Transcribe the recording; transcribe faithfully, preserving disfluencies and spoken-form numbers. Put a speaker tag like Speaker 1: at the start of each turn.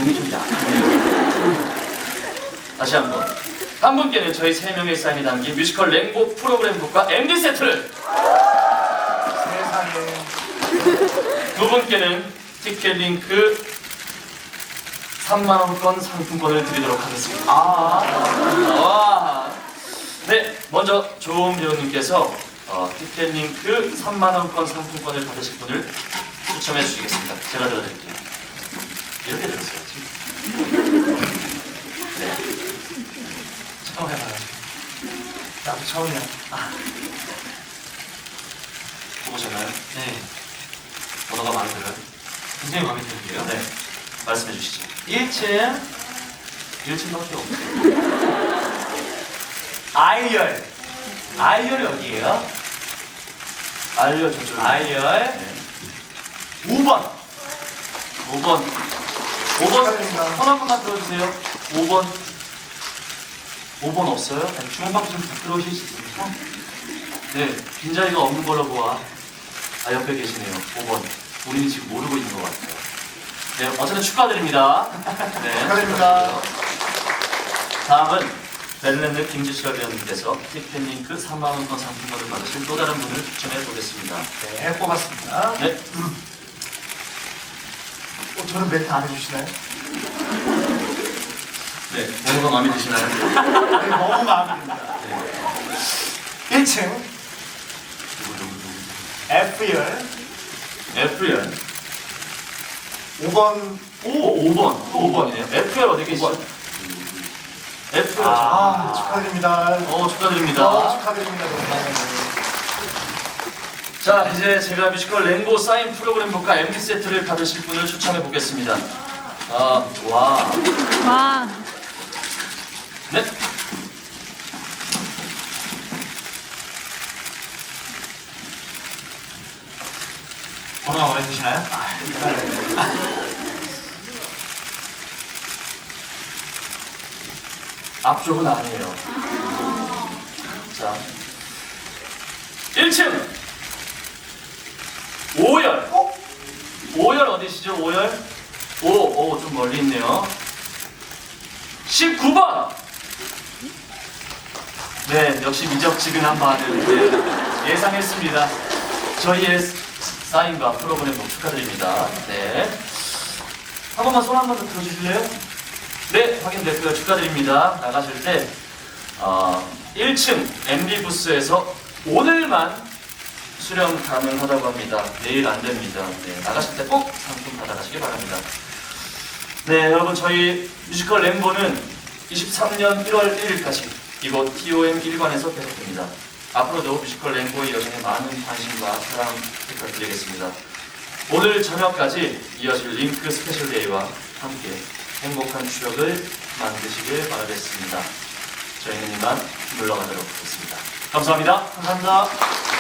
Speaker 1: 반응이 좀 약하네요. 다시 한번. 한 분께는 저희 세 명의 사인이 담긴 뮤지컬 랭보 프로그램북과 엠디 세트를,
Speaker 2: 세상에.
Speaker 1: 두 분께는 티켓 링크 삼만 원권 상품권을 드리도록 하겠습니다. 아, 와. 네, 먼저 조은 배우님께서 어, 티켓 링크 삼만 원권 상품권을 받으실 분을 추첨해 주시겠습니다. 제가 들어드릴게요. 이렇게 들었어야지. 네. 처음 해봐요.
Speaker 2: 나도 처음이야.
Speaker 1: 아. 보셨나요? 네. 번호가 마음에 들어요? 굉장히 마음에 드는데요? 네. 말씀해 주시죠.
Speaker 2: 일 층
Speaker 1: 일 층밖에 없어요.
Speaker 2: 아이열. 아이열이 어디예요?
Speaker 1: 알려 저쪽.
Speaker 2: 아이열
Speaker 1: 네.
Speaker 2: 오 번.
Speaker 1: 오 번. 오 번.
Speaker 2: 축하드립니다.
Speaker 1: 손 한 번만 들어주세요. 오 번. 오 번 없어요? 아니, 주문밖에 좀 부끄러우실 수 있습니다. 네. 빈자리가 없는 걸로 보아. 아, 옆에 계시네요. 오 번. 우리는 지금 모르고 있는 것 같아요. 네. 어쨌든 축하드립니다. 네.
Speaker 2: 축하드립니다.
Speaker 1: 다음은 벨랜드 김지철 배우님께서 티켓링크 삼만 원권 상품권을 받으실 또 다른 분을 추천해 보겠습니다.
Speaker 2: 네, 뽑았습니다.
Speaker 1: 네.
Speaker 2: 어, 저는 멘트 안 해주시나요?
Speaker 1: 네. 번호가 마음에 드시나요?
Speaker 2: 네, 너무 마음에 듭니다.
Speaker 1: 네.
Speaker 2: 일 층
Speaker 1: 누구 누구 누구.
Speaker 2: F열
Speaker 1: F열.
Speaker 2: 오 번.
Speaker 1: 오, 오 번. 또 오 번이네요. F열 어디 계시죠? F열.
Speaker 2: 아, 축하드립니다.
Speaker 1: 어, 축하드립니다.
Speaker 2: 어, 축하드립니다. 정말.
Speaker 1: 자, 이제 제가 뮤지컬 랭보 사인 프로그램북과 엠디 세트를 받으실 분을 추천해 보겠습니다. 아, 와.
Speaker 3: 와.
Speaker 1: 네.
Speaker 2: 번호가 마음에 드시나요?
Speaker 1: 앞쪽은 아니에요. 자, 일 층 오열.
Speaker 2: 어?
Speaker 1: 오열 어디시죠? 오열? 오, 오, 좀 멀리 있네요. 십구 번. 네, 역시 미적지근한 반응. 네, 예상했습니다. 저희의 사인과 프로그램 목 축하드립니다. 네. 한 번만 손 한 번 더 들어주실래요? 네, 확인됐고요. 축하드립니다. 나가실 때 어, 일 층 엠디 부스에서 오늘만 수령 가능하다고 합니다. 내일 안 됩니다. 네, 나가실 때 꼭 상품 받아가시기 바랍니다. 네, 여러분 저희 뮤지컬 랭보는 이십삼 년 일월 일일까지 이곳 티오엠 일 관에서 계속됩니다. 앞으로도 뮤지컬 랭보의 여정에 많은 관심과 사랑 부탁드리겠습니다. 오늘 저녁까지 이어질 링크 스페셜 데이와 함께 행복한 추억을 만드시길 바라겠습니다. 저희는 이만 물러가도록 하겠습니다. 감사합니다.
Speaker 2: 감사합니다.